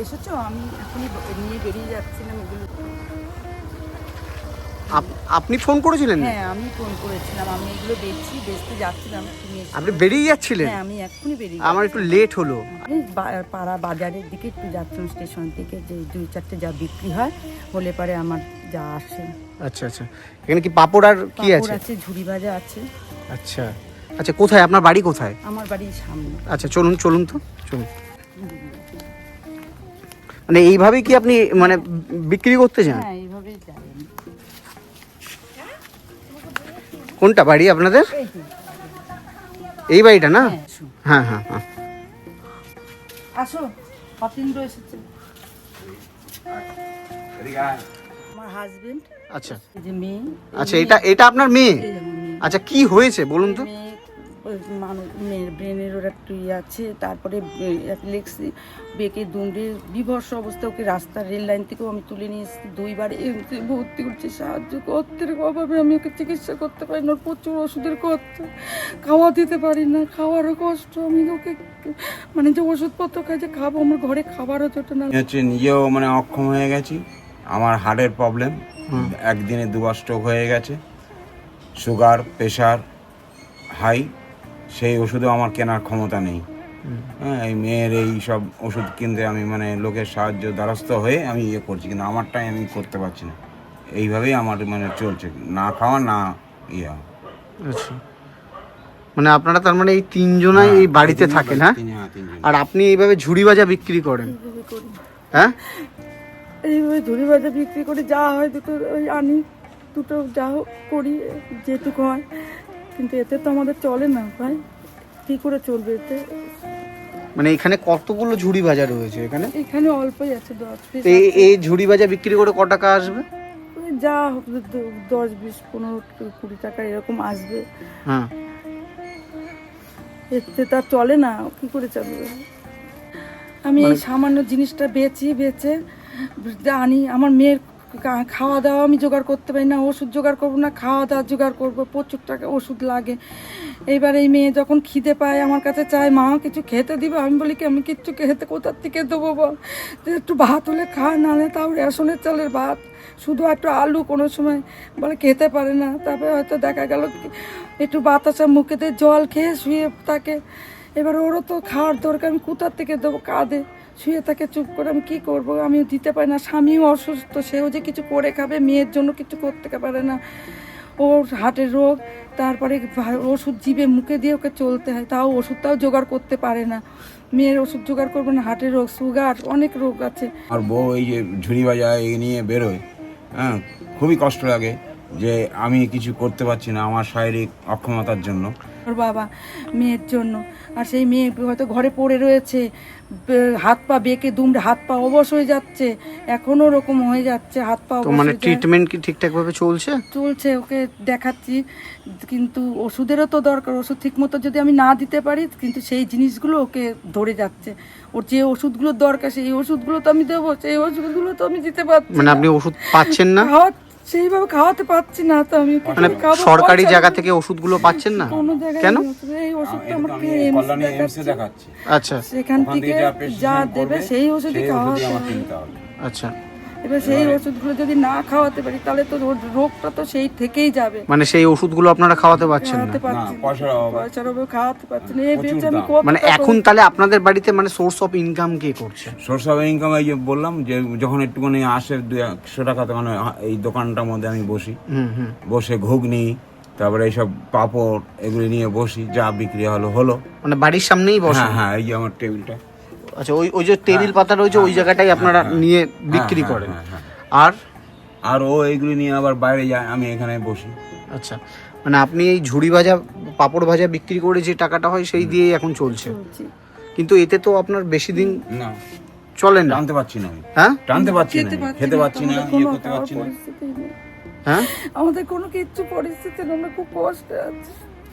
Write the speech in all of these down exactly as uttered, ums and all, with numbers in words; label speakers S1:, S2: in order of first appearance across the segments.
S1: এসেছো? আমি এখনই নিয়ে বেরিয়ে যাচ্ছিলাম এগুলো।
S2: আপনি ফোন করেছিলেন?
S1: হ্যাঁ, আমি ফোন করেছিলাম। আমি এগুলো বেচছি, বেচতে যাচ্ছিলাম। তুমি
S2: আপনি বেরিয়ে যাচ্ছিলেন?
S1: হ্যাঁ, আমি এখনই বেরিয়ে
S2: আমার একটু লেট হলো।
S1: আমি পাড়া বাজারের দিকে একটু যাচ্ছিলাম, স্টেশন থেকে, যে দুই চারটে যা বিক্রি হয় হলে পারে আমার যা আসে।
S2: আচ্ছা আচ্ছা, এখানে কি পাপড় আর কি আছে?
S1: আছে, ঝুড়ি ভাজা আছে।
S2: আচ্ছা আচ্ছা, কোথায় আপনার বাড়ি? কোথায়?
S1: আমার বাড়ির সামনে।
S2: আচ্ছা চলুন চলুন তো চলুন। মানে এইভাবেই কি আপনি মানে বিক্রি করতে যান?
S1: হ্যাঁ, এইভাবেই যাই।
S2: কোনটা বাড়ি আপনাদের? এই বাড়িটা না? হ্যাঁ হ্যাঁ হ্যাঁ।
S1: আসো, অতীন্দ্র এসেছে, আমার হাজবেন্ড।
S2: আচ্ছা
S1: যে মেয়ে।
S2: আচ্ছা, এটা এটা আপনার মেয়ে? আচ্ছা, কি হয়েছে বলুন তো?
S1: মানুষ মেয়ের ব্রেনের ওর একটু ইয়ে আছে, তারপরে লেক্সি বেঁকে দুমড়ে বিভৎস অবস্থা। ওকে রাস্তা রেল লাইন থেকেও আমি তুলে নিয়ে এসেছি, দুইবার এমসে ভর্তি করছি, সাহায্য করতে অভাবে আমি ওকে চিকিৎসা করতে পারি না। প্রচুর ওষুধের খরচা, খাওয়া দিতে পারি না, খাওয়ারও কষ্ট। আমি ওকে মানে যে ওষুধপত্র খাই, যে খাবো, আমার ঘরে খাবারও জোটে না।
S3: হচ্ছে নিজেও মানে অক্ষম হয়ে গেছি, আমার হার্টের প্রবলেম, একদিনে দুবার স্ট্রোক হয়ে গেছে, সুগার প্রেশার হাই, সেই ওষুধও আমার কেনার ক্ষমতা নেই। হ্যাঁ, এই মেয়ের এই সব ওষুধ কিনতে আমি মানে লোকের সাহায্য দ্বারস্থ হয়ে আমি ইয়ে করছি, কিন্তু আমারটাই আমি করতে পারছি না। এইভাবেই আমার মানে চলছে, না খাওয়া না ইয়ে।
S2: আচ্ছা, মানে আপনারা তার মানে এই তিনজনাই এই বাড়িতে থাকেন? হ্যাঁ, আর আপনি এইভাবে ঝুড়ি ভাজা বিক্রি করেন? হ্যাঁ,
S1: এইভাবে ঝুড়ি ভাজা বিক্রি করে যা হয় দুটো ওই আনি, দুটো যা করি যেটুকু হয়, কিন্তু এতে তো আমাদের চলে না ভাই। কী করে চলবে এতে?
S2: মানে এখানে কতগুলো ঝুড়ি ভাজা রয়েছে? এখানে
S1: এখানে অল্পই আছে, দশ পিস।
S2: এই এই ঝুড়ি ভাজা বিক্রি করে ক টাকা আসবে?
S1: ওই যা হবে দশ বিশ পনেরো কুড়ি টাকা এরকম আসবে।
S2: হ্যাঁ,
S1: এতে তার চলে না, কি করে চলবে? আমি এই সামান্য জিনিসটা বেচি, বেচে আনি। আমার মেয়ের খাওয়া দাওয়া আমি জোগাড় করতে পারি না, ওষুধ জোগাড় করবো না, খাওয়া দাওয়া জোগাড় করবো, প্রচুর টাকা ওষুধ লাগে। এইবার এই মেয়ে যখন খিদে পায় আমার কাছে চায়, মা কিছু খেতে দিবে। আমি বলি কি, আমি কিচ্ছু খেতে কোথার থেকে দেবো বল? একটু ভাত হলে খা, নাহলে তাও রেশনের চালের ভাত, শুধু একটু আলু কোনো সময় বলে খেতে পারে না। তারপরে হয়তো দেখা গেল একটু বাতাসা মুখেতে জল খেয়ে শুয়ে থাকে। এবার ওরও তো খাওয়ার দরকার, আমি কোথার থেকে দেবো? কাঁদে, শুয়ে থাকে চুপ করে। আমি কী করবো? আমি দিতে পারি না। স্বামীও অসুস্থ, সেও যে কিছু করে খাবে, মেয়ের জন্য কিছু করতে পারে না। ওর হার্টের রোগ, তারপরে ওষুধ জিভে মুখে দিয়ে ওকে চলতে হয়, তাও ওষুধটাও জোগাড় করতে পারে না। মেয়ের ওষুধ জোগাড় করবে না, হার্টের রোগ, সুগার, অনেক রোগ আছে।
S3: আর বউ এই যে ঝুড়ি ভাজা এই নিয়ে বেরোয়, হ্যাঁ, খুবই কষ্ট লাগে যে আমি কিছু করতে পারছি না আমার শারীরিক অক্ষমতার জন্য।
S1: ওর বাবা মেয়ের জন্য, আর সেই মেয়ে হয়তো ঘরে পড়ে রয়েছে, হাত পা বেঁকে দুমড়ে হাত পা অবশ হয়ে যাচ্ছে, এখনো ওরকম হয়ে যাচ্ছে, হাত পা অবশ।
S2: মানে ট্রিটমেন্ট কি ঠিকঠাক ভাবে চলছে?
S1: চলছে, ওকে দেখাচ্ছি, কিন্তু ওষুধেরও তো দরকার। ওষুধ ঠিক মতো যদি আমি না দিতে পারি, কিন্তু সেই জিনিসগুলো ওকে ধরে যাচ্ছে। ওর যে ওষুধগুলোর দরকার সেই ওষুধগুলো তো আমি দেবো, সেই ওষুধগুলো তো আমি দিতে পারছি না।
S2: মানে আপনি ওষুধ পাচ্ছেন না?
S1: সেইভাবে খাওয়াতে পারছি না তো আমি।
S2: মানে সরকারি জায়গা থেকে ওষুধগুলো পাচ্ছেন না কেন?
S1: এই ওষুধটা আমাকে
S3: এমসে দেখাচ্ছি,
S2: আচ্ছা,
S1: সেখান থেকে যা দেবে সেই ওষুধই খাওয়াতে হবে।
S2: আচ্ছা,
S1: এবার সেই ওষুধগুলো যদি না খাওয়াতে পারি তাহলে তো রোগটা তো সেই থেকেই যাবে।
S2: মানে সেই ওষুধগুলো আপনারা খাওয়াতে পারছেন না?
S1: পয়সার অভাবে খাওয়াতে পারছি না। এই বেঁচে আমি
S2: মানে এখন তাহলে আপনাদের বাড়িতে মানে সোর্স অফ ইনকাম কে করছে?
S3: সোর্স অফ ইনকাম এই যে বললাম, যে যখন একটুখানি আসে দুই একশো টাকা, মানে এই দোকানটার মধ্যে আমি বসি, বসে ঘুগনি, তারপরে এইসব পাঁপড় এগুলি নিয়ে বসি, যা বিক্রি হলো হলো।
S2: মানে বাড়ির সামনেই বসে?
S3: হ্যাঁ হ্যাঁ, এই যে আমার টেবিলটা।
S2: আচ্ছা, ওই ওই যে টেবিল পাতা রয়েছে ওই জায়গাটাই আপনারা নিয়ে বিক্রি করেন? আর
S3: আর ও এইগুলি নিয়ে আবার বাইরে যায়, আমি এখানে বসি।
S2: আচ্ছা, মানে আপনি এই ঝুড়ি ভাজা পাঁপড় ভাজা বিক্রি করে যে টাকাটা হয় সেই দিয়েই এখন চলছে, কিন্তু এতে তো আপনার বেশি দিন
S3: না
S2: চলে না?
S3: টানতে পারছি না।
S2: হ্যাঁ,
S3: টানতে পারছি না, খেতে পারছি না, ইয়ে করতে পারছি না।
S2: হ্যাঁ,
S1: আমাদের কোনো কিচ্ছু পরিস্থিতি না, আমরা খুব কষ্টে আছি।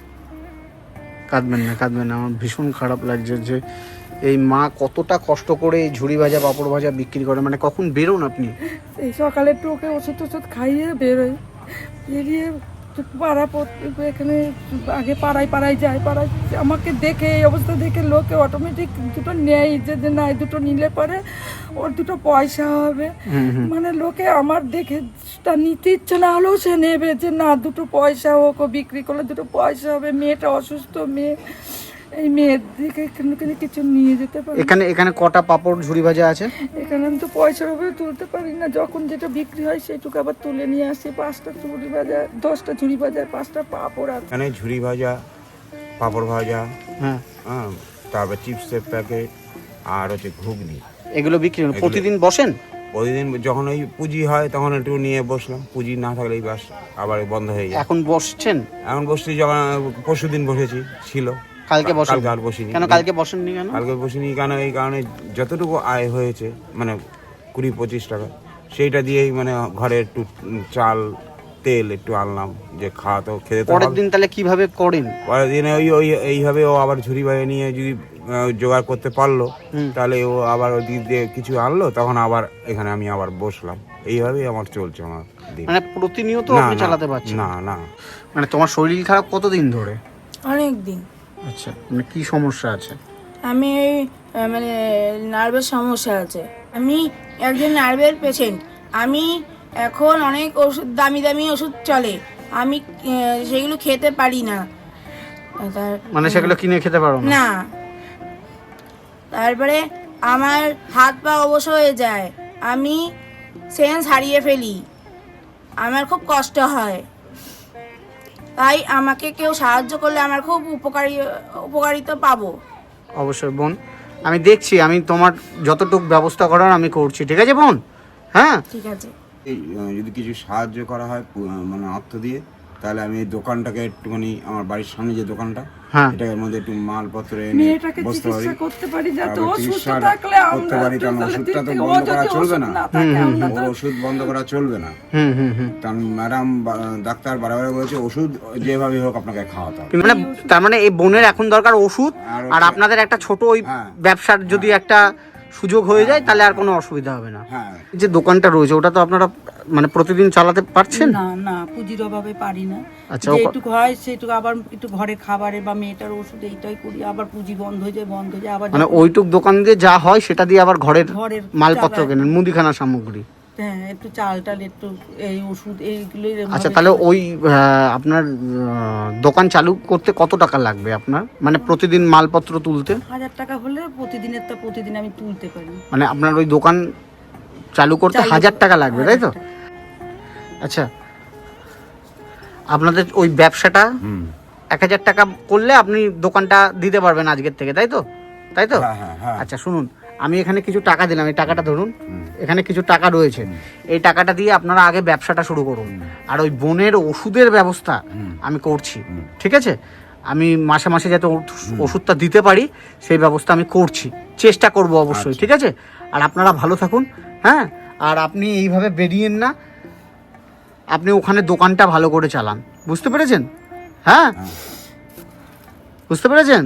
S2: কাঁদবেন না কাঁদবেন না, আমার ভীষণ খারাপ লাগছে যে এই মা কতটা কষ্ট করে এই ঝুড়ি ভাজা পাঁপড় ভাজা বিক্রি করে। মানে কখন বেরোন আপনি?
S1: এই সকালে একটু ওকে ওষুধ টষুধ খাইয়ে বেরোই, বেরিয়ে পাড়া পড়- এখানে আগে পাড়ায় পাড়ায় যায়, পাড়ায় আমাকে দেখে এই অবস্থা দেখে লোকে অটোমেটিক দুটো নেয়, যে যে না এই দুটো নিলে পরে ওর দুটো পয়সা হবে। মানে লোকে আমার দেখে তা নিতে ইচ্ছে না হলেও সে নেবে, যে না দুটো পয়সা হোক, ও বিক্রি করলে দুটো পয়সা হবে, মেয়েটা অসুস্থ মেয়ে, এই মেয়ের দিকে কিন্তু কিছু নিয়ে যেতে পারে।
S2: এখানে এখানে কটা পাপড় ঝুড়ি ভাজা আছে?
S1: এখানে আমি তো পয়সার উপরে তুলতে পারি না, যখন যেটা বিক্রি হয় সেটুকু আবার তুলে নিয়ে আসি। পাঁচটা ঝুড়ি ভাজা, দশটা ঝুড়ি ভাজা, পাঁচটা পাঁপড় আছে।
S3: এখানে ঝুড়ি ভাজা, পাঁপড় ভাজা,
S2: হ্যাঁ,
S3: হ্যাঁ, তারপর চিপসের প্যাকেট আর হচ্ছে ঘুগনি,
S2: এগুলো বিক্রি হয়?
S3: এগুলো-
S2: প্রতিদিন বসেন?
S3: প্রতিদিন যখন ওই পুঁজি হয় তখন একটু নিয়ে বসলাম, পুঁজি না থাকলেই বাস আবার বন্ধ হয়ে যায়।
S2: এখন বসছেন?
S3: এখন বসছি, যখন পরশু দিন বসেছি, ছিল
S2: কালকে বসেন?
S3: কালকে আর বসিনি।
S2: কেন কালকে বসেননি কেন?
S3: কালকে বসিনি কেন, এই কারণে যতটুকু আয় হয়েছে মানে কুড়ি পঁচিশ টাকা, সেইটা দিয়েই মানে ঘরে একটু চাল তেল একটু আনলাম, যে খাওয়া তো খেতে তো
S2: পরের
S3: হবে।
S2: দিন তাহলে কিভাবে করেন?
S3: পরের দিনে ওই ওই এইভাবে ও আবার ঝুড়ি বাইরে নিয়ে যদি আহ, জোগাড় করতে পারলো, তাহলে ও আবার ওই দিক দিয়ে কিছু আনলো, তখন আবার এখানে আমি আবার বসলাম। এইভাবেই আমার চলছে আমার দিন।
S2: মানে প্রতিনিয়ত
S3: না,
S2: আপনি
S3: না,
S2: চালাতে পারছেন?
S3: না না
S2: মানে তোমার শরীর খারাপ কতদিন ধরে?
S4: অনেক দিন।
S2: আচ্ছা, মানে কি সমস্যা আছে?
S4: আমি এই, আহ, মানে নার্ভের সমস্যা আছে। আমি একজন নার্ভের পেশেন্ট। আমি এখন অনেক ওষুধ, দামি দামি ওষুধ চলে, আমি আহ, সেগুলো খেতে পারি না। তার-
S2: মানে সেগুলো কিনে খেতে পারো না?
S4: না, তারপরে আমার হাত পা অবশ হয়ে যায়, আমি সেন্স হারিয়ে ফেলি, আমার খুব কষ্ট হয়। তাই আমাকে কেউ সাহায্য করলে আমার খুব উপকারী উপকারিতা পাবো।
S2: অবশ্যই বোন, আমি দেখছি, আমি তোমার যতটুকু ব্যবস্থা করার আমি করছি, ঠিক আছে বোন? হ্যাঁ,
S4: ঠিক আছে।
S3: এই আহ, যদি কিছু সাহায্য করা হয় পু- আহ, মানে অর্থ দিয়ে, তাহলে আমি এই দোকানটাকে একটুখানি, আমার বাড়ির সামনে যে দোকানটা,
S2: হ্যাঁ,
S3: এটার মধ্যে একটু মালপত্র এনে
S1: মেয়েটাকে
S3: বসতে পারি,
S1: চিকিৎসা করতে পারি, যাতে
S3: তারপর
S1: ও সুস্থ
S3: চিকিৎসা
S1: থাকলে
S3: করতে
S1: আমরা
S3: পারি। কারণ
S1: তাহলে
S3: ওষুধটা তো
S1: দিক থেকে- ও
S3: বন্ধ
S1: যদি
S3: করা চলবে
S1: ওষুধ
S3: না,
S1: না থাকে, আমরা
S3: ও
S1: তো-
S3: ওষুধ বন্ধ করা চলবে না।
S2: হুম হুম হুম।
S3: কারণ ম্যাডাম ডাক্তার বারবার বলেছে ওষুধ যেভাবে হোক আপনাকে খাওয়াতে হবে।
S2: কিন্তু মানে তার মানে এই বোনের এখন দরকার ওষুধ,
S3: আর
S2: আর আপনাদের একটা ছোট ওই
S3: হ্যাঁ।
S2: ব্যবসার যদি একটা সুযোগ হয়ে যায় তাহলে আর কোনো অসুবিধা হবে না।
S3: হ্যাঁ,
S2: যে দোকানটা রয়েছে ওটা তো আপনারা মানে প্রতিদিন চালাতে পারছেন?
S1: না না, পুঁজির অভাবে পারি না।
S2: আচ্ছা, ও ক-
S1: যেটুকু হয় সেটুকু, আবার একটু ঘরে খাবারে বা মেয়েটার ওষুধ এইটাই করি, আবার পুঁজি বন্ধ হয়ে যায়, বন্ধ হয়ে যায়, আবার
S2: মানে
S1: যখন
S2: ওইটুক দোকান দিয়ে যা হয় সেটা দিয়ে আবার ঘরের
S1: ঘরের
S2: মালপত্র
S1: চালায়।
S2: কেনেন, মুদিখানা সামগ্রী।
S1: হ্যাঁ, একটু চাল টাল, একটু এই ওষুধ এইগুলোই এরম
S2: আচ্ছা,
S1: ভাবে-
S2: তাহলে ওই আহ, আপনার আহ, দোকান চালু করতে কত টাকা লাগবে আপনার, মানে প্রতিদিন মালপত্র তুলতে?
S1: হাজার টাকা হলে প্রতিদিনের তা প্রতিদিন আমি তুলতে পারি।
S2: মানে আপনার ওই দোকান চালু করতে
S1: চালু-
S2: হাজার টাকা লাগবে, তাই তো?
S1: হাজার টাকা।
S2: আচ্ছা, আপনাদের ওই ব্যবসাটা
S3: হুম,
S2: এক হাজার টাকা করলে আপনি দোকানটা দিতে পারবেন আজকের থেকে, তাই তো? তাই তো?
S3: হ্যাঁ হ্যাঁ হ্যাঁ,
S2: আচ্ছা শুনুন, আমি এখানে কিছু টাকা দিলাম, এই টাকাটা ধরুন,
S3: হুম।
S2: এখানে কিছু টাকা রয়েছে, এই টাকাটা দিয়ে আপনারা আগে ব্যবসাটা শুরু করুন, আর ওই বোনের ওষুধের ব্যবস্থা আমি করছি, ঠিক আছে? আমি মাসে মাসে যাতে ওষ- ওষুধটা দিতে পারি সেই ব্যবস্থা আমি করছি, চেষ্টা করব অবশ্যই, ঠিক আছে? আর আপনারা ভালো থাকুন, হ্যাঁ? আর আপনি এইভাবে বেরিয়েন না, আপনি ওখানে দোকানটা ভালো করে চালান, বুঝতে পেরেছেন? হ্যাঁ, বুঝতে পেরেছেন?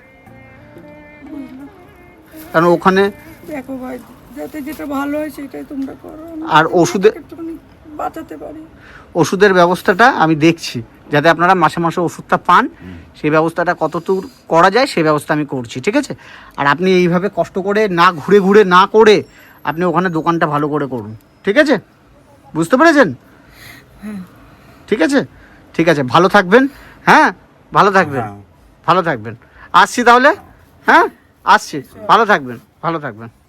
S2: কারণ ওখানে
S1: দেখো ভাই, যাতে যেটা ভালো হয় সেটাই তোমরা করো, আমি
S2: আর ওষুধে-
S1: একটুখানি বাঁচাতে পারি।
S2: ওষুধের ব্যবস্থাটা আমি দেখছি, যাতে আপনারা মাসে মাসে ওষুধটা পান, সেই ব্যবস্থাটা কতদূর করা যায় সেই ব্যবস্থা আমি করছি, ঠিক আছে? আর আপনি এইভাবে কষ্ট করে না ঘুরে ঘুরে না করে আপনি ওখানে দোকানটা ভালো করে করুন, ঠিক আছে? বুঝতে পেরেছেন? ঠিক আছে, ঠিক আছে, ভালো থাকবেন, হ্যাঁ, ভালো থাকবেন,
S3: হ্যাঁ।
S2: ভালো থাকবেন। আসছি তাহলে, হ্যাঁ, আসছি, ভালো থাকবেন, ভালো থাকবেন।